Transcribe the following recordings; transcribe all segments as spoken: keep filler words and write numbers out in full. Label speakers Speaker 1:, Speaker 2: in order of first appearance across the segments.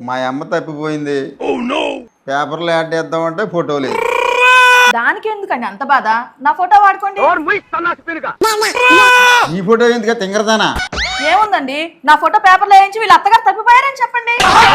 Speaker 1: మా అమ్మ తప్పిపోయింది. పేపర్లు యాడ్ చేద్దామంటే ఫోటో లేదు.
Speaker 2: దానికి ఎందుకండి అంత బాధ? నా ఫోటో వాడుకోండి.
Speaker 1: ఈ ఫోటో ఎందుకు తింగరదానా?
Speaker 2: ఏముందండి, నా ఫోటో పేపర్లో వేయించి వీళ్ళ అత్తగారు తప్పిపోయారని చెప్పండి.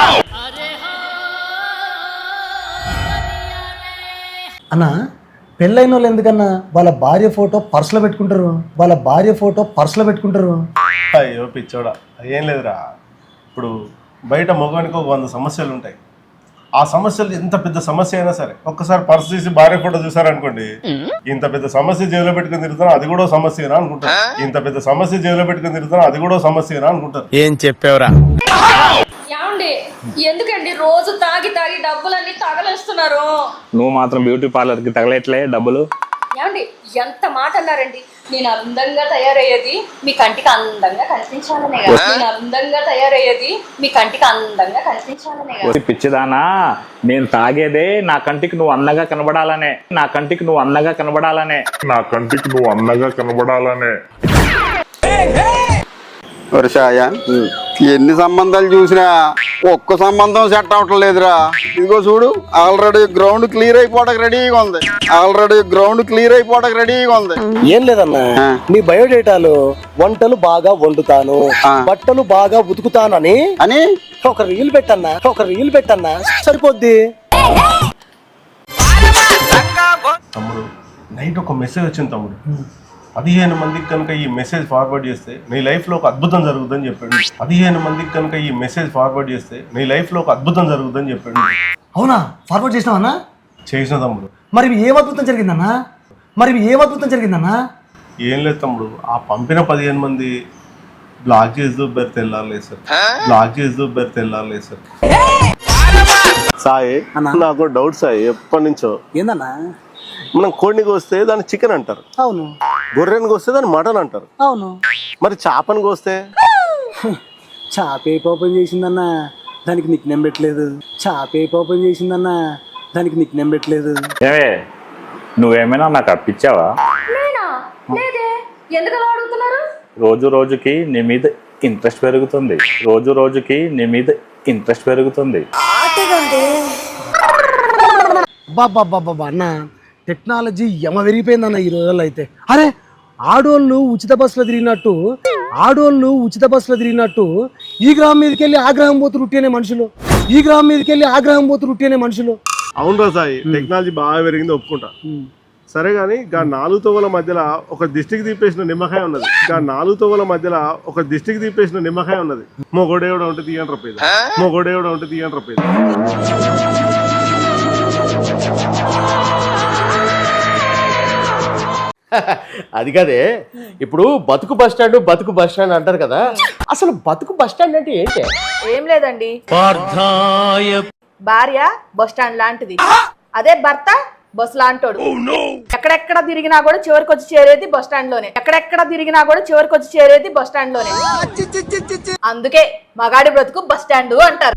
Speaker 3: అన్నా పెళ్ళైన వాళ్ళు ఎందుకన్నా వాళ్ళ భార్య ఫోటో పర్సులో పెట్టుకుంటారు? వాళ్ళ భార్య ఫోటో పర్సులో పెట్టుకుంటారు.
Speaker 4: అయ్యో పిచ్చోడా, ఏం లేదురా. ఇప్పుడు బయట మగవానికి ఒక వంద సమస్యలు ఉంటాయి. ఆ సమస్యలు ఎంత పెద్ద సమస్య అయినా సరే ఒక్కసారి పర్సు తీసి భార్య ఫోటో చూసారనుకోండి, ఇంత పెద్ద సమస్య జైల్లో పెట్టుకుని తిరుగుతాను అది కూడా సమస్యనా అనుకుంటారు. ఇంత పెద్ద సమస్య జైల్లో పెట్టుకుని తిరుగుతాను అది కూడా సమస్యనా అనుకుంటారు.
Speaker 5: ఏం చెప్పావురా?
Speaker 6: ఏమండి, ఎందుకండి రోజు తాగి తాగి డబ్బులన్నీ తగలేస్తున్నారు?
Speaker 7: నువ్వు మాత్రం బ్యూటీ పార్లర్ కి తగలేట్లే డబ్బులు.
Speaker 6: ఏమండి, ఎంత మాట అన్నారండి. నేను అందంగా తయారయ్యేది మీ కంటికి అందంగా కనిపించాలనే కదా. నేను అందంగా తయారయ్యేది మీ కంటికి అందంగా కనిపించాలనే కదా.
Speaker 7: పిచ్చిదానా, నేను తాగేదే నా కంటికి నువ్వు అందంగా కనబడాలనే. నా కంటికి నువ్వు అందంగా కనబడాలనే.
Speaker 8: నా కంటికి నువ్వు అందంగా కనబడాలనే.
Speaker 1: వర్షాయ ఎన్ని సంబంధాలు చూసినా ఒక్క సంబంధం సెట్ అవటం లేదురా. ఇదిగో చూడు, ఆల్రెడీ గ్రౌండ్ క్లియర్ అయిపోవడానికి రెడీగా ఉంది. ఆల్రెడీ గ్రౌండ్ క్లియర్ అయిపోవడానికి రెడీగా ఉంది.
Speaker 3: ఏం లేదన్నా, నీ బయోడేటాలో వంటలు బాగా వండుతాను, బట్టలు బాగా ఉతుకుతానని
Speaker 1: అని
Speaker 3: ఒక రీల్ పెట్టన్నా ఒక రీల్ పెట్టన్నా సరిపోద్ది.
Speaker 4: తమ్ముడు, నైట్ ఒక మెసేజ్ వచ్చింది తమ్ముడు. పదిహేను మందికి కనుక ఈ మెసేజ్ ఫార్వర్డ్ చేస్తే నీ లైఫ్లో ఒక అద్భుతం జరుగుతుందని చెప్పాడు. పదిహేను మందికి కనుక ఈ మెసేజ్ ఫార్వర్డ్ చేస్తే నీ లైఫ్లో ఒక అద్భుతం జరుగుతుందని చెప్పాడు.
Speaker 3: అవునా? ఫార్వర్డ్ చేసినావన్నా?
Speaker 4: చేసిన తమ్ముడు.
Speaker 3: మరి ఏం అద్భుతం జరిగిందన్నా? మరి ఏం అద్భుతం జరిగిందన్నా?
Speaker 4: ఏం లేదు తమ్ముడు, ఆ పంపిన పదిహేను మంది బ్లాక్ చేసి దొబ్బెరు తెల్లారలేదు సార్. బ్లాక్ చేసి దొబ్బెరు తెల్లారలేదు సార్.
Speaker 9: సాయి, నాకు డౌట్ సాయి, ఎప్పటి నుంచో.
Speaker 3: ఏందన్నా?
Speaker 9: మనం కోడికి వస్తే దాన్ని చికెన్ అంటారు.
Speaker 3: అవును.
Speaker 9: గొర్రెనికి వస్తే దాన్ని మటన్ అంటారు.
Speaker 3: అవును.
Speaker 9: మరి చేపనికి వస్తే?
Speaker 3: చాపే పాపం చేసిందన్నా, దానికి నిక్ నేమ్ పెట్టలేదు. చాపే పాపం చేసిందన్నా, దానికి నిక్ నేమ్ పెట్టలేదు.
Speaker 7: ఏమే, నువ్వేమైనా నాకు అప్పించావా?
Speaker 6: నేనా? లేదే. ఎందుకు అలా అడుగుతున్నారు?
Speaker 7: రోజు రోజుకి నీ మీద ఇంట్రెస్ట్ పెరుగుతుంది. రోజు రోజుకి నీ మీద ఇంట్రెస్ట్ పెరుగుతుంది.
Speaker 3: బాబా అన్న, టెక్నాలజీ యమ విరిగిపోయిందన్న ఈ రోజుల్లో. అయితే అరే, ఆడోళ్ళు ఉచిత బస్సులో తిరిగినట్టు ఆడోళ్ళు ఉచిత బస్సులో తిరిగినట్టు ఈ గ్రామం మీదకి వెళ్ళి ఆ గ్రామం పోతు రుట్టి అనే మనుషులు ఈ గ్రామం మీదకి వెళ్ళి ఆ గ్రామం పోతు రుట్టి అనే మనుషులు.
Speaker 9: అవునరా సాయి, టెక్నాలజీ బాగా పెరిగింది, ఒప్పుకుంటా. సరే కానీ గా నాలుగు తోవల మధ్యలో ఒక దిష్టికి తీపేసిన నిమ్మకాయ ఉన్నది. గా నాలుగు తోవల మధ్యలో ఒక దిష్టికి తీపేసిన నిమ్మకాయ ఉన్నది. మొగోడేవుడ ఉంటే తీయండి రూపాయలు. మొగోడేవుడ ఉంటే తీయండి రూపాయలు.
Speaker 5: అది కదే, ఇప్పుడు బతుకు బస్ స్టాండ్ బతుకు బస్ స్టాండ్ అంటారు కదా, అసలు బతుకు బస్ స్టాండ్ అంటే ఏంటి?
Speaker 2: ఏం లేదండి, భార్య బస్ స్టాండ్ లాంటిది, అదే భర్త బస్ లాంటోడు. ఎక్కడెక్కడ తిరిగినా కూడా చివరికి వచ్చి చేరేది బస్ స్టాండ్ లోనే. ఎక్కడెక్కడ తిరిగినా కూడా చివరికి వచ్చి చేరేది బస్ స్టాండ్ లోనే. అందుకే మగాడి బ్రతుకు బస్ స్టాండ్ అంటారు.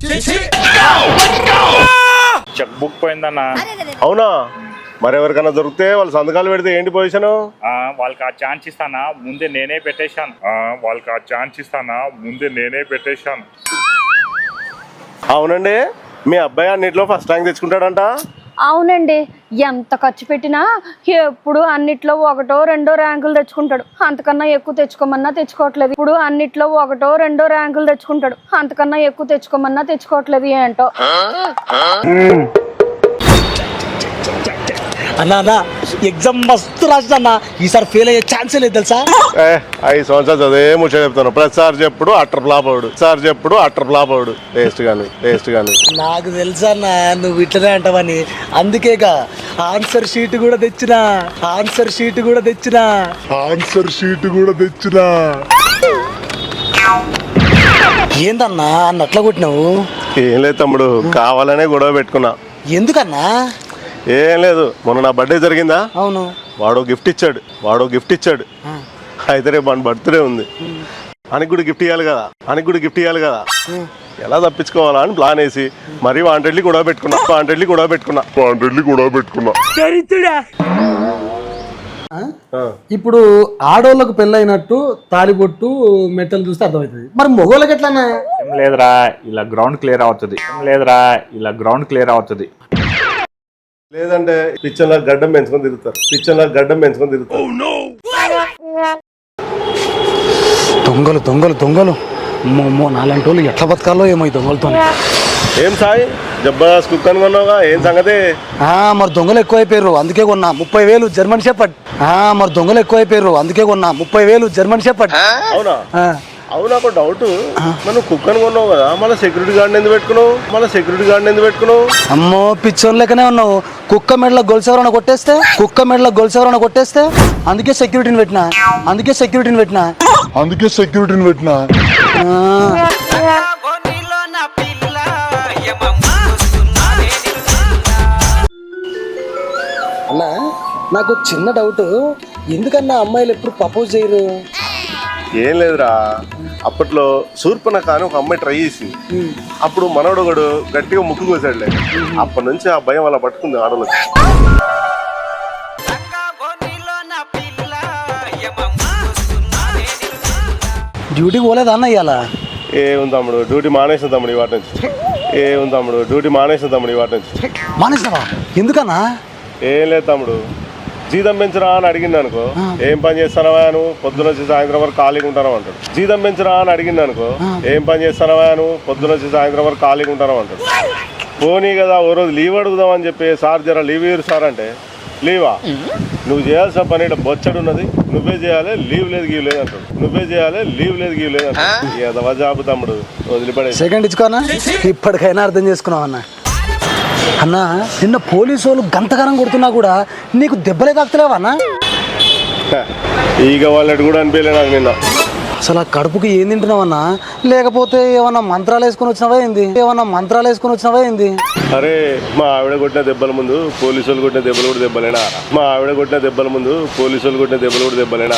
Speaker 7: చెక్ బుక్ పోయిందన్నా.
Speaker 9: అవునా? మరి ఎవరికైనా దొరికితే వాళ్ళు సంతకాలు పెడితే ఏంటి పొజిషన్?
Speaker 7: వాళ్ళకి ఆ ఛాన్స్ ఇస్తానా? ముందే నేనే పెట్టేశాను. వాళ్ళకి ఆ ఛాన్స్ ఇస్తానా? ముందే నేనే పెట్టేశాను.
Speaker 9: అవునండి, మీ అబ్బాయి అన్నిట్లో ఫస్ట్ ర్యాంక్ తెచ్చుకుంటాడంట.
Speaker 6: అవునండి, ఎంత ఖర్చు పెట్టినా ఎప్పుడు అన్నిట్లో ఒకటో రెండో ర్యాంకులు తెచ్చుకుంటాడు. అంతకన్నా ఎక్కువ తెచ్చుకోమన్నా తెచ్చుకోవట్లేదు. ఇప్పుడు అన్నిట్లో ఒకటో రెండో ర్యాంకులు తెచ్చుకుంటాడు. అంతకన్నా ఎక్కువ తెచ్చుకోమన్నా తెచ్చుకోవట్లేదు. ఏంటో
Speaker 3: అన్నా అన్నా, ఎగ్జామ్ మస్తు రాసిన అన్న, ఈసారి ఫెయిల్ అయ్యే ఛాన్సే లేదు తెలుసా?
Speaker 9: ఐదు సంవత్సరాలు చదివే ముచ్చట చెప్తాను. ప్రతిసారి చెప్పుడు అట్టర్ ఫ్లాప్ అవుడు, సార్ చెప్పుడు అట్టర్ ఫ్లాప్ అవుడు. టేస్ట్ గాని టేస్ట్ గాని
Speaker 3: నాకు తెలుసా అన్న, నువ్వు ఇట్లనే అంటావని. అందుకేగా ఆన్సర్ షీట్ కూడా తెచ్చినా ఆన్సర్ షీట్ కూడా తెచ్చినా
Speaker 8: ఆన్సర్ షీట్ కూడా తెచ్చినా
Speaker 3: ఏందన్నా అన్న అట్లా కొట్టినావు?
Speaker 9: ఏం లేదు తమ్ముడు, కావాలనే గొడవ పెట్టుకున్నా.
Speaker 3: ఎందుకన్నా?
Speaker 9: ఏం లేదు, మొన్న నా బర్త్డే జరిగిందా?
Speaker 3: అవును.
Speaker 9: వాడు గిఫ్ట్ ఇచ్చాడు వాడు గిఫ్ట్ ఇచ్చాడు అయితే రేపు మన బర్త్డే ఉంది, అనికి కూడా గిఫ్ట్ ఇవ్వాలి కదా అనికి కూడా గిఫ్ట్ ఇవ్వాలి కదా ఎలా తప్పించుకోవాలా అని ప్లాన్ వేసి మరీ వాంటెడ్లీ గొడవ పెట్టుకున్నా వాంటెడ్లీ గొడవ పెట్టుకున్నా వాంటెడ్లీ గొడవ పెట్టుకున్నా
Speaker 4: ఆ.
Speaker 3: ఇప్పుడు ఆడోళ్ళకు పెళ్ళైనట్టు తాలిబొట్టు మెట్టలు చూస్తే అర్థమవుతుంది, మరి మొగోళ్ళకి ఎట్లానా?
Speaker 7: ఏం లేదురా ఇలా గ్రౌండ్ క్లియర్ అవుతుంది ఏం లేదురా ఇలా గ్రౌండ్ క్లియర్ అవుతుంది
Speaker 4: లేదంటే పిచ్చన్లా గడ్డం పెంచుకొని తిరుగుతారు పిచ్చన్లా గడ్డం పెంచుకొని తిరుగుతారు
Speaker 3: దొంగలు దొంగలు దొంగలు మో నాలాంటి వాళ్ళు ఎట్లా బతకాలో ఏమో ఈ దొంగలతో.
Speaker 4: ఏం సాయి జబర్దస్త్ కుక్ అనుకున్నావుగా ఏం సంగతి
Speaker 3: మరి దొంగలు ఎక్కువైపోయారు అందుకే కొన్నా ముప్పై వేలు జర్మన్ షెపర్డ్. మరి దొంగలు ఎక్కువైపోయారు అందుకే కొన్నా ముప్పై వేలు జర్మన్ షెపర్డ్.
Speaker 4: అవునా అవును నాకు డౌట్ మనం కుక్ అనుకున్నావు కదా మళ్ళీ సెక్యూరిటీ గార్డ్ ఎందుకు పెట్టుకున్నావు మళ్ళీ సెక్యూరిటీ గార్డ్ ఎందుకు పెట్టుకున్నావు
Speaker 3: అమ్మో పిచ్చోన్ లెక్కనే ఉన్నావు. కుక్క మెడలో గొలుసు ఎవరైనా కొట్టేస్తే కుక్క మెడలో గొలుసు ఎవరైనా కొట్టేస్తే అందుకే సెక్యూరిటీని పెట్టినా అందుకే సెక్యూరిటీని పెట్టినా
Speaker 8: అందుకే సెక్యూరిటీని పెట్టినా
Speaker 3: అన్నా నాకు చిన్న డౌట్, ఎందుకన్నా అమ్మాయిలు ఎప్పుడు ప్రపోజ్ చేయరు?
Speaker 4: ఏం లేదురా అప్పట్లో శూర్పణఖ అని ఒక అమ్మాయి ట్రై చేసింది అప్పుడు మనోడు ఒకడు గట్టిగా ముక్కు కోసాడులే అప్పటి నుంచి ఆ భయం అలా పట్టుకుంది ఆడోళ్ళకి
Speaker 3: డ్యూటీకి పోలేదా అన్న ఇవాళ?
Speaker 4: ఏ ఉంది తమ్ముడు డ్యూటీ మానేసిన తమ్ముడు ఈ వాటి నుంచి ఏ ఉంది తమ్ముడు డ్యూటీ మానేసిన తమ్ముడు ఈ వాటి నుంచి
Speaker 3: మానేసినావా? ఎందుకన్నా?
Speaker 4: ఏం లేదు తమ్ముడు జీతం పెంచరా అని అడిగింది అనుకో ఏం పని చేస్తానవా నువ్వు పొద్దున వచ్చి సాయంత్రం వరకు ఖాళీగా ఉంటాను అంటాడు జీతం పెంచరా అని అడిగింది అనుకో ఏం పని చేస్తానవా నువ్వు పొద్దున వచ్చి సాయంత్రం వరకు ఖాళీగా ఉంటాను అంటాడు పోనీ కదా ఓ రోజు లీవ్ అడుగుదామని చెప్పి సార్ జర లీవ్ ఇవ్వరు సార్ అంటే లీవా నువ్వు చేయాల్సిన పని ఇక్కడ బొచ్చడు ఉన్నది నువ్వే చేయాలి లీవ్ లేదు గీవ్ లేదు అంటాడు నువ్వే చేయాలి లీవ్ లేదు గీవ్ లేదు అంటాడు ఏదవా జాబు తమ్ముడు వదిలిపడే
Speaker 3: సెకండ్ ఇచ్చుకోనా ఇప్పటికైనా అర్థం చేసుకున్నావు అన్న. అన్న నిన్న పోలీసు వాళ్ళు గంతగానం కొడుతున్నా కూడా నీకు దెబ్బలే తాకుతలేవా అన్న?
Speaker 4: ఈగ వాళ్ళటి కూడా అనిపించలే నాకు నిన్న
Speaker 3: అసలు ఆ కడుపుకి ఏం తింటున్నావన్నా? లేకపోతే ఏమన్నా మంత్రాలు వేసుకొని వచ్చినావా ఏంది? ఏమన్నా మంత్రాలు వేసుకొని వచ్చినావా ఏంది?
Speaker 4: అరే మా ఆవిడ కొట్టిన దెబ్బల ముందు పోలీసు వాళ్ళు కొట్టిన దెబ్బలు కూడా దెబ్బలేనా మా ఆవిడ కొట్టిన దెబ్బల ముందు పోలీసు వాళ్ళు కొట్టిన దెబ్బలు కూడా దెబ్బలేనా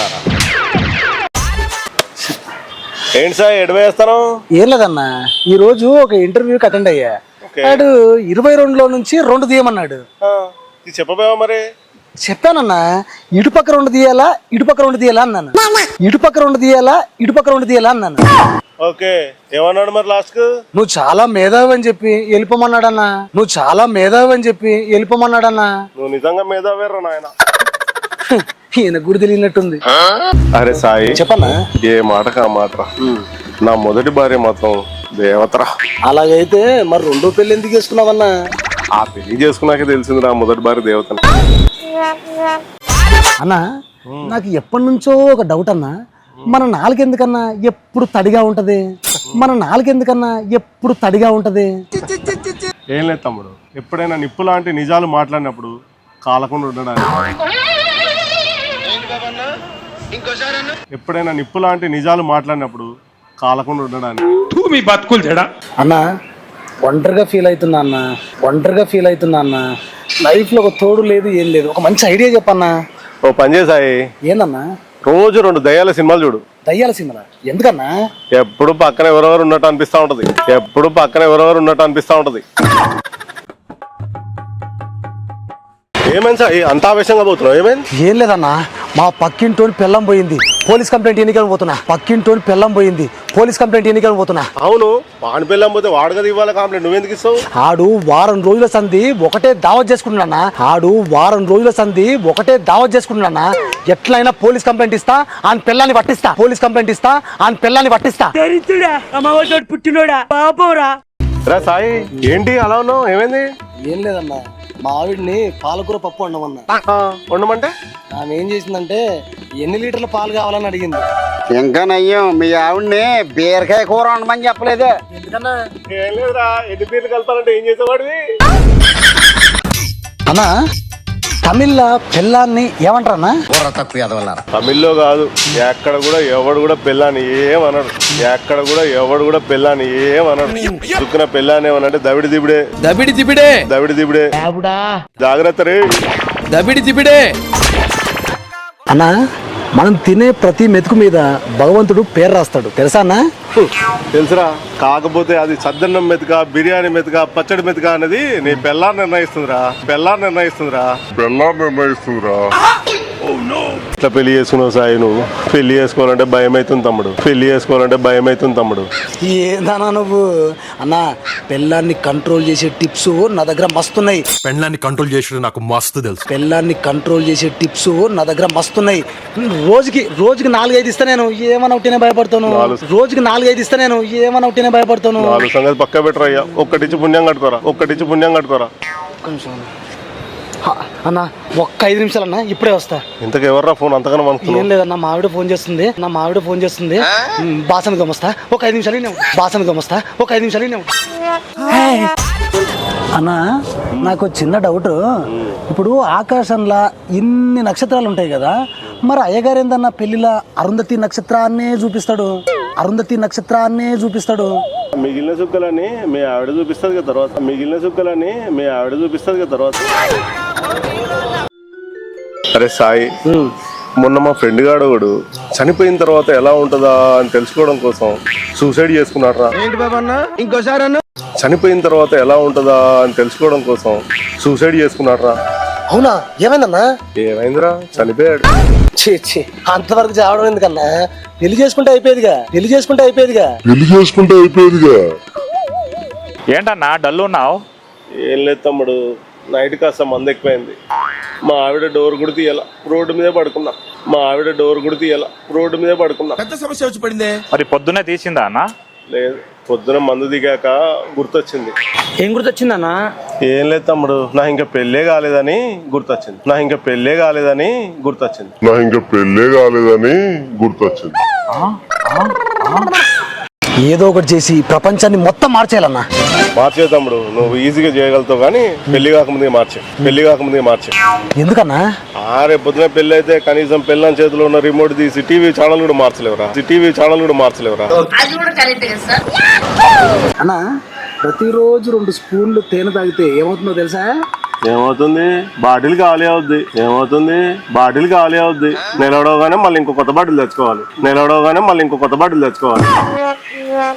Speaker 4: ఏంటి సార్ ఎడవేస్తాను
Speaker 3: ఏం లేదన్నా, ఈ రోజు ఒక ఇంటర్వ్యూకి అటెండ్ అయ్యా. వాడు ఇరవై రెండులో నుంచి రెండు తీయమన్నాడు.
Speaker 4: చెప్పబోవా మరి
Speaker 3: చెప్పానన్నా, ఇటుపక్క రెండు తీయాలా ఇటుపక్క రెండు తీయాలా అన్నాను. ఇటుపక్క రెండు తీయాలా ఇటుపక్క రెండు తీయాలా అన్నాను.
Speaker 4: ఓకే ఏమన్నాడు మరి లాస్ట్ కు
Speaker 3: నువ్వు చాలా మేధావి అని చెప్పి వెళ్ళిపోమన్నాడన్నా. నువ్వు చాలా మేధావి అని చెప్పి వెళ్ళిపోమన్నాడన్నా.
Speaker 4: నువ్వు నిజంగా మేధావేరా నాయన
Speaker 3: ఈయన గుడి తెలియనట్టుంది.
Speaker 4: అరే సాయి
Speaker 3: చెప్పన్నా,
Speaker 4: ఏ మాటకా మాట నా మొదటి భార్య మాత్రం దేవతరా.
Speaker 3: అలాగైతే మరి రెండో పెళ్లి ఎందుకు చేసుకున్నావన్నా?
Speaker 4: ఆ పెళ్లి చేసుకున్నాకే తెలిసింది నా మొదటి భార్య దేవతని.
Speaker 3: అన్నా నాకు ఎప్పటి నుంచో ఒక డౌట్ అన్నా, మన నాలుకెందుకన్నా ఎప్పుడు తడిగా ఉంటది? మన నాలుకెందుకన్నా ఎప్పుడు తడిగా ఉంటది?
Speaker 4: ఏం లేదు తమ్ముడు, ఎప్పుడైనా నిప్పు లాంటి నిజాలు మాట్లాడినప్పుడు కాలకుండా ఉండడానికి ఎప్పుడైనా నిప్పు లాంటి నిజాలు మాట్లాడినప్పుడు కాలకుండా ఉండడానికి
Speaker 3: అన్నా ఒంటరిగా ఫీల్ అవుతున్నా అన్న, ఒంటరిగా ఫీల్ అవుతున్నా అన్న. లైఫ్ లో ఒక తోడు లేదు ఏం లేదు. ఒక మంచి ఐడియా చెప్పన్నా.
Speaker 4: ఓ పని చేసాయి
Speaker 3: ఏందన్నా?
Speaker 4: రోజు రెండు దయ్యాల సినిమాలు చూడు.
Speaker 3: దయ్యాల సినిమా ఎందుకన్నా?
Speaker 4: ఎప్పుడు పక్కన ఎవరెవరు ఉన్నట్టు అనిపిస్తా ఉంటది ఎప్పుడు పక్కన ఎవరెవరు ఉన్నట్టు అనిపిస్తా ఉంటది ఏమైంది సార్ అంత ఆవేశంగా పోతున్నావు? ఏమైంది?
Speaker 3: ఏం లేదన్నా, మా పక్కింటోని పెళ్ళం పోయింది, పోలీస్ కంప్లైంట్ ఎన్నికలు పోతున్నా. పక్కింటోని పెళ్ళం పోయింది, పోలీస్ కంప్లైంట్ ఎన్నికలు పోతున్నా.
Speaker 4: అవును వాడి పెళ్ళం పోతే వాడు కదా ఇవ్వాలి కంప్లైంట్, నువ్వెందుకు ఇస్తావు?
Speaker 3: ఆడు వారం రోజుల సంధి ఒకటే దావత్ చేసుకుంటున్నా. ఆడు వారం రోజుల సంధి ఒకటే దావత్ చేసుకుంటున్నా. ఎట్లయినా పోలీస్ కంప్లైంట్ ఇస్తా, ఆయన పిల్లాన్ని పట్టిస్తా. పోలీస్ కంప్లైంట్ ఇస్తా, ఆయన పిల్లాన్ని పట్టిస్తా. పుట్టినోడా పాపంరా.
Speaker 4: రా సాయి ఏంటి అలా ఉన్నావు? ఏమైంది?
Speaker 3: ఏం లేదన్నా, మా ఆవిడ్ని పాలకూర పప్పు వండమన్నా.
Speaker 4: వండమంటే
Speaker 3: ఆమె ఏం చేసిందంటే ఎన్ని లీటర్ల పాలు కావాలని అడిగింది.
Speaker 1: ఇంకా నయ్యం మీ ఆవిడ్ని బీరకాయ కూర వండమని చెప్పలేదు.
Speaker 3: ఎందుకన్నా?
Speaker 4: ఏం లేదురా, ఎన్ని పేర్లు కలపాలంటే ఏం చేసేవాడివి?
Speaker 3: అన్నా తమిళ పిల్లాన్ని ఏమంటారన్నా?
Speaker 4: తమిళ్లో కాదు, ఎక్కడ కూడా ఎవడు కూడా పెళ్ళాన్ని ఏమన్నాడు. ఎక్కడ కూడా ఎవడు కూడా పెళ్ళాన్ని ఏమన్నాడు. దుక్కున పెళ్ళాన్ని ఏమనంటే దవిడి దిబిడే
Speaker 10: దబిడి దిబిడే
Speaker 4: దవిడి దిబిడే జాగ్రత్త రే
Speaker 10: దబిడి దిబిడే.
Speaker 3: అన్నా మనం తినే ప్రతి మెతుకు మీద భగవంతుడు పేరు రాస్తాడు, తెలుసా అన్నా?
Speaker 4: తెలుసురా, కాకపోతే అది సద్దన్నం మెతుక, బిర్యానీ మెతుక, పచ్చడి మెతుక అనేది నీ పెళ్ళాన్ని నిర్ణయిస్తుందిరా. పెళ్ళాన్ని నిర్ణయిస్తుందిరా.
Speaker 8: బెల్లా నిర్ణయిస్తుందిరా.
Speaker 4: ఇట్లా పెళ్లి చేసుకున్నావు సాయి నువ్వు? పెళ్లి చేసుకోవాలంటే భయం అవుతుంది తమ్ముడు, పెళ్లి చేసుకోవాలంటే భయం అవుతుంది తమ్ముడు.
Speaker 3: ఏందన్నా నువ్వు అన్నా, పెళ్ళాన్ని కంట్రోల్ చేసే టిప్స్ నా దగ్గర మస్తున్నాయి.
Speaker 10: పెళ్ళాన్ని కంట్రోల్ చేసి నాకు మస్తు తెలుసు.
Speaker 3: పెళ్ళాన్ని కంట్రోల్ చేసే టిప్స్ నా దగ్గర మస్తున్నాయి. రోజుకి రోజుకి నాలుగైదు ఇస్తా నేను, ఏమన్నా ఉంటేనే భయపడతాను. రోజుకి నాలుగైదు ఇస్తా నేను, ఏమన్నా ఉంటేనే భయపడతాను.
Speaker 4: నాలుగు సంగతి పక్క పెట్టరయ్యా, ఒక్కటిచ్చి పుణ్యం కట్టుకోరా, ఒక్కటిచ్చి పుణ్యం కట్టుకోరా.
Speaker 3: ఒక్క నిమిషం అన్న. హ, అన్న ఒక్క ఐదు నిమిషాలు అన్న, ఇప్పుడే వస్తా.
Speaker 4: ఇంతకు ఎవర్రా ఫోన్ అంతగానో అనుకున్నావు?
Speaker 3: ఏం లేదన్న, మా ఆవిడ ఫోన్ చేస్తుంది, నా మా ఆవిడ ఫోన్ చేస్తుంది. మ్, బాసన గమస్తా ఒక ఐదు నిమిషాలు నేను బాసన గమస్తా ఒక ఐదు నిమిషాలు నేను అన్న, నాకు చిన్న డౌట్. ఇప్పుడు ఆకాశంలో ఇన్ని నక్షత్రాలు ఉంటాయి కదా, మరి అయ్యగారు ఏందన్న పెళ్లిలా అరుంధతి నక్షత్రాన్నే చూపిస్తాడు, అరుంధతి నక్షత్రాన్నే చూపిస్తాడు.
Speaker 4: మిగిలిన చుక్కలని మీ ఆవిడ చూపిస్తుంది కదా తర్వాత, మిగిలిన చుక్కలని మీ ఆవిడ చూపిస్తుంది కదా తర్వాత. అరే సాయి, మొన్న మా ఫ్రెండ్ గాడు ఒకడు చనిపోయిన తర్వాత ఎలా ఉంటుందా అని తెలుసుకోవడం కోసం సూసైడ్ చేసుకున్నాడు రా.
Speaker 3: ఏంటి బాబా అన్న, ఇంకోసారి అన్న.
Speaker 4: చనిపోయిన తర్వాత ఎలా ఉంటుందా అని తెలుసుకోవడం కోసం సూసైడ్ చేసుకున్నాడు రా.
Speaker 3: అవునా, ఏమైందన్నా?
Speaker 4: ఏమైందిరా, చనిపోయాడు.
Speaker 3: ఛీ ఛీ, అంతవరకు చావడం ఎందుకన్నా? పెళ్లి చేసుకుంటే అయిపోయేదిగా, పెళ్లి చేసుకుంటే అయిపోయేదిగా.
Speaker 8: పెళ్లి చేసుకుంటే అయిపోయేదిగా.
Speaker 7: ఏంటన్నా డల్ ఉన్నావు?
Speaker 4: ఏం లేదు తమ్ముడు, నైట్ కాస్త మంది ఎక్కువైంది. మా ఆవిడ డోర్ కూడా తీయాల, రోడ్డు మీదే పడుకున్నా. మా ఆవిడ డోర్ కూడా తీయాల, రోడ్డు మీదే పడుకున్నా.
Speaker 10: పెద్ద సమస్య వచ్చి పడిందే.
Speaker 7: మరి పొద్దున్నే తీసిందా అన్న?
Speaker 4: లేదు, పొద్దున మందు దిగాక గుర్తొచ్చింది.
Speaker 3: ఏం గుర్తొచ్చిందన్నా?
Speaker 4: ఏం లేదు తమ్ముడు, నా ఇంకా పెళ్ళే కాలేదని గుర్తొచ్చింది. నా ఇంకా పెళ్ళే కాలేదని గుర్తొచ్చింది.
Speaker 8: నా ఇంకా పెళ్ళే కాలేదని గుర్తొచ్చింది.
Speaker 3: ఏదో ఒకటి చేసి ప్రపంచాన్ని మొత్తం మార్చేయాలన్నా.
Speaker 4: మార్చే తమ్ముడు, నువ్వు ఈజీగా చేయగలుగుతావు కానీ పెళ్లి కాకముందే మార్చే, పెళ్లి కాకముందే మార్చే.
Speaker 3: ఎందుకన్నా?
Speaker 4: ఆ రేపు పొద్దున పెళ్లి అయితే కనీసం పెళ్ళని చేతిలో ఉన్న రిమోట్ తీసి టీవీ ఛానల్ కూడా మార్చలేవురా, టీవీ ఛానల్ కూడా మార్చలేవురా.
Speaker 3: అన్నా, ప్రతిరోజు రెండు స్పూన్లు తేనె తాగితే ఏమవుతుందో తెలుసా?
Speaker 4: ఏమవుతుంది? బాటిల్ ఖాళీ అవుద్ది. ఏమవుతుంది? బాటిల్ ఖాళీ అవుద్ది. నిలవడగానే మళ్ళీ ఇంకో కొత్త బాటిల్ తెచ్చుకోవాలి, నిలవడగానే మళ్ళీ ఇంకో కొత్త బాటిల్ తెచ్చుకోవాలి.